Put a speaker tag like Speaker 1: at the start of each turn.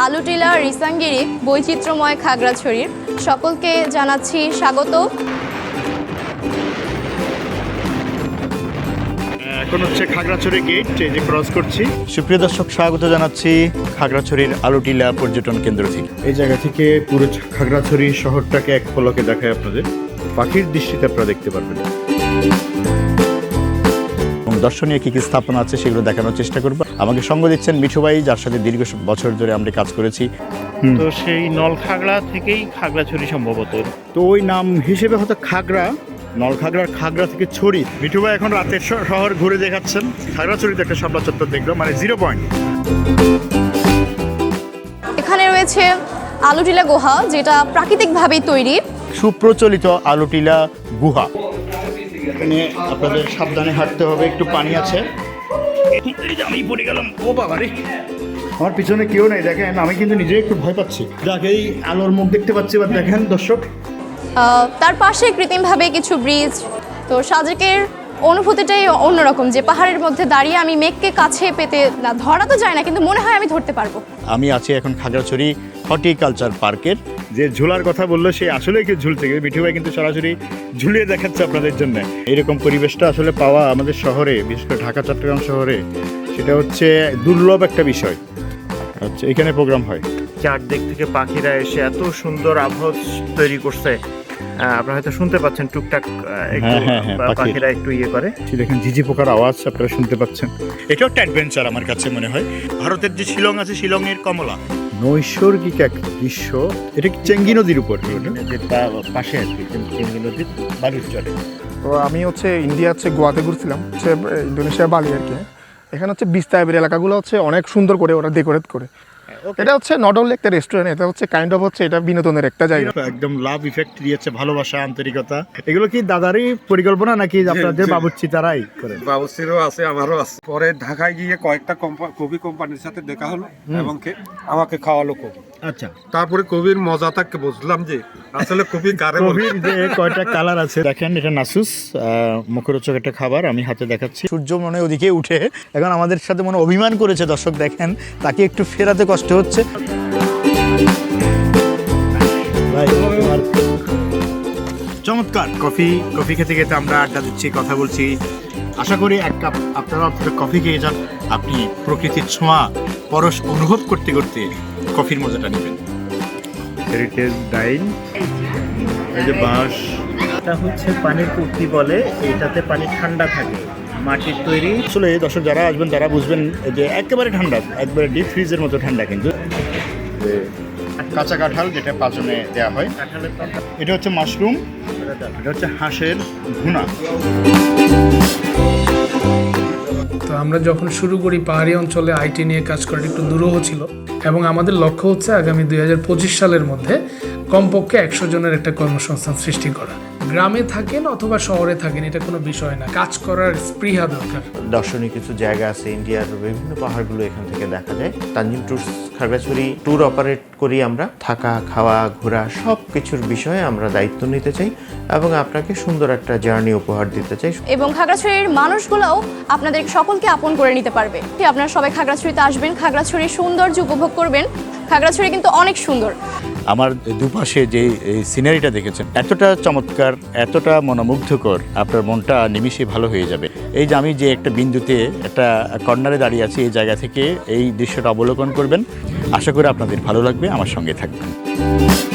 Speaker 1: আলুটিলা রিসাঙ্গিরি বৈচিত্র্যময় খাগড়াছড়ির সকলকে জানাচ্ছি স্বাগত।
Speaker 2: এখন হচ্ছে খাগড়াছড়ি গেট, এই যে ক্রস করছি।
Speaker 3: সুপ্রিয় দর্শক, স্বাগত জানাচ্ছি খাগড়াছড়ির আলুটিলা পর্যটন কেন্দ্র থেকে।
Speaker 2: এই জায়গা থেকে পুরো খাগড়াছড়ি শহরটাকে এক পলকে দেখায় আপনাদের। পাখির দৃষ্টিতে আপনারা দেখতে পারবেন
Speaker 3: এবং দর্শনীয় কী কী স্থাপনা আছে সেগুলো দেখানোর চেষ্টা করব। আমাকে সঙ্গ দিচ্ছেন মিঠু ভাই, যার সাথে দীর্ঘ বছর ধরে আমরা কাজ করেছি।
Speaker 4: তো সেই নলখাগড়া থেকেই খাগড়াছড়ি সম্ভবত।
Speaker 2: তো ওই নাম হিসেবে হয়তো খাগড়া, নলখাগড়ার খাগড়া থেকে ছড়ি। মিঠু ভাই এখন রাতের শহর ঘুরে দেখাচ্ছেন। খাগড়াছড়িতে একটা শাপলা চত্বর দেখলাম, মানে 0 পয়েন্ট।
Speaker 1: এখানে রয়েছে আলুটিলা গুহা, যেটা প্রাকৃতিকভাবেই তৈরি।
Speaker 3: সুপ্রচলিত আলুটিলা গুহা।
Speaker 2: এখানে আপনাদের সাবধানে হাঁটতে হবে, একটু পানি আছে। আমি পড়ে গেলাম, ও বাবা রে! আমার পিছনে কেউ নেই, দেখেন আমি কিন্তু নিজে একটু ভয় পাচ্ছি। এই আলোর মুখ দেখতে পাচ্ছি, এবার দেখেন দর্শক।
Speaker 1: তার পাশে কৃত্রিমভাবে কিছু ব্রিজ। তো সাজেকের অনুভূতিটাই অন্যরকম, যে পাহাড়ের মধ্যে দাঁড়িয়ে আমি মেঘকে কাছে পেতে, না ধরা তো যায় না, কিন্তু মনে হয় আমি ধরতে পারবো।
Speaker 3: আমি আছি এখন খাগড়াছড়ি হর্টিকালচার পার্কের।
Speaker 2: যে ঝোলার কথা বললো সে আসলে কি ঝুলছে, মিঠু ভাই কিন্তু সরাসরি ঝুলিয়ে দেখাচ্ছে আপনাদের জন্য। এরকম পরিবেশটা আসলে পাওয়া আমাদের শহরে, বিশেষ করে ঢাকা চট্টগ্রাম শহরে, সেটা হচ্ছে দুর্লভ একটা বিষয়। আচ্ছা, এখানে প্রোগ্রাম হয়।
Speaker 4: চারদিক থেকে পাখিরা এসে এত সুন্দর আবহাওয়া তৈরি করছে। আপনারা হয়তো শুনতে পাচ্ছেন টুকটাক একটু পাখিরা একটু ইয়ে করে।
Speaker 2: দেখেন ঝিঝি পোকার আওয়াজ আপনারা শুনতে পাচ্ছেন। এটাও একটা অ্যাডভেঞ্চার আমার কাছে মনে হয়। ভারতের যে শিলং আছে, শিলংয়ের কমলা, নৈসর্গিক এক দৃশ্য। এটা কি চেঙ্গি নদীর উপর,
Speaker 4: পাশে আর কি চেঙ্গি নদীর বালুর চরে।
Speaker 5: তো আমি ইন্ডিয়া গোয়াতে ঘুরছিলাম, ইন্দোনেশিয়া বালি আর কি। এখানে বিস্তায়বের এলাকাগুলো অনেক সুন্দর করে ওরা ডেকোরেট করে। এটা নট অনলি একটা রেস্টুরেন্ট, এটা কাইন্ড অফ এটা বিনোদনের একটা জায়গা।
Speaker 2: একদম লাভ ইফেক্ট দিয়েছে, ভালোবাসা, আন্তরিকতা। এগুলো কি দাদারই পরিকল্পনা নাকি আপনাদের বাবুর্চি তারাই করে?
Speaker 6: বাবুর্চিরও আছে, আমারও আছে। পরে ঢাকায় গিয়ে কয়েকটা কবি কোম্পানির সাথে দেখা হলো এবং আমাকে খাওয়ালো কবি।
Speaker 2: আচ্ছা,
Speaker 6: তারপরে কবির মজাটাকে বুঝলাম যে আসলে কবি কারে বলে।
Speaker 2: কবির যে কয়টা কালার আছে দেখেন। এটা নাসুস, মুখরোচক একটা খাবার, আমি হাতে দেখাচ্ছি।
Speaker 3: সূর্য মনে ওদিকে উঠে এখন আমাদের সাথে মনে অভিমান করেছে। দর্শক দেখেন, তাকে একটু ফেরাতে কষ্ট হচ্ছে।
Speaker 2: চমৎকার কফি খেতে খেতে আমরা আড্ডা দিচ্ছি, কথা বলছি। আশা করি এক কাপ আপনারা কফি খেয়ে যান, আপনি প্রকৃতির ছোঁয়া পরশ অনুভব করতে করতে কফির মজাটা নেবেন। হেরিটেজ ডাইন, এই যে বাঁশ,
Speaker 4: এটা হচ্ছে পানির কুর্তি বলে, এটাতে পানি ঠান্ডা থাকে, মাটির তৈরি।
Speaker 2: আসলে দর্শক যারা আসবেন তারা বুঝবেন যে একেবারে ঠান্ডা, একবারে ডিপ ফ্রিজের মতো ঠান্ডা। কিন্তু কাঁচা কাঁঠাল, যেটা পাচনে দেওয়া হয়। এটা হচ্ছে মাশরুম, এটা হচ্ছে হাঁসের ভুনা।
Speaker 7: তো আমরা যখন শুরু করি পাহাড়ি অঞ্চলে আইটি নিয়ে কাজ করাটা একটু দুরূহ ছিল, এবং আমাদের লক্ষ্য হচ্ছে আগামী 2025 সালের মধ্যে কমপক্ষে 100 জনের একটা কর্মসংস্থান সৃষ্টি করা। গ্রামে থাকেন অথবা শহরে থাকেন, এটা কোনো বিষয় না, কাজ করার স্পৃহা দরকার।
Speaker 8: দর্শনীয় কিছু জায়গা আছে, ইন্ডিয়ার বিভিন্ন পাহাড়গুলো এখান থেকে দেখা যায়। Tanzim tours Khagrachari tour operate করি আমরা। থাকা, খাওয়া, ঘোরা সব কিছুর বিষয়ে আমরা দায়িত্ব নিতে চাই এবং আপনাকে সুন্দর একটা জার্নি উপহার দিতে চাই।
Speaker 1: এবং খাগড়াছড়ির মানুষগুলোও আপনাদের সকলকে আপন করে নিতে পারবে। আপনারা সবাই খাগড়াছড়িতে আসবেন, খাগড়াছড়ির সৌন্দর্য উপভোগ করবেন। খাগড়াছড়ি কিন্তু অনেক সুন্দর।
Speaker 3: আমার দুপাশে যে সিনারিটা দেখেছেন, এতটা চমৎকার, এতটা মনোমুগ্ধকর, আপনার মনটা নিমিষে ভালো হয়ে যাবে। এই যে আমি যে একটা বিন্দুতে, একটা কর্নারে দাঁড়িয়ে আছি, এই জায়গা থেকে এই দৃশ্যটা অবলোকন করবেন। আশা করি আপনাদের ভালো লাগবে, আমার সঙ্গে থাকবেন।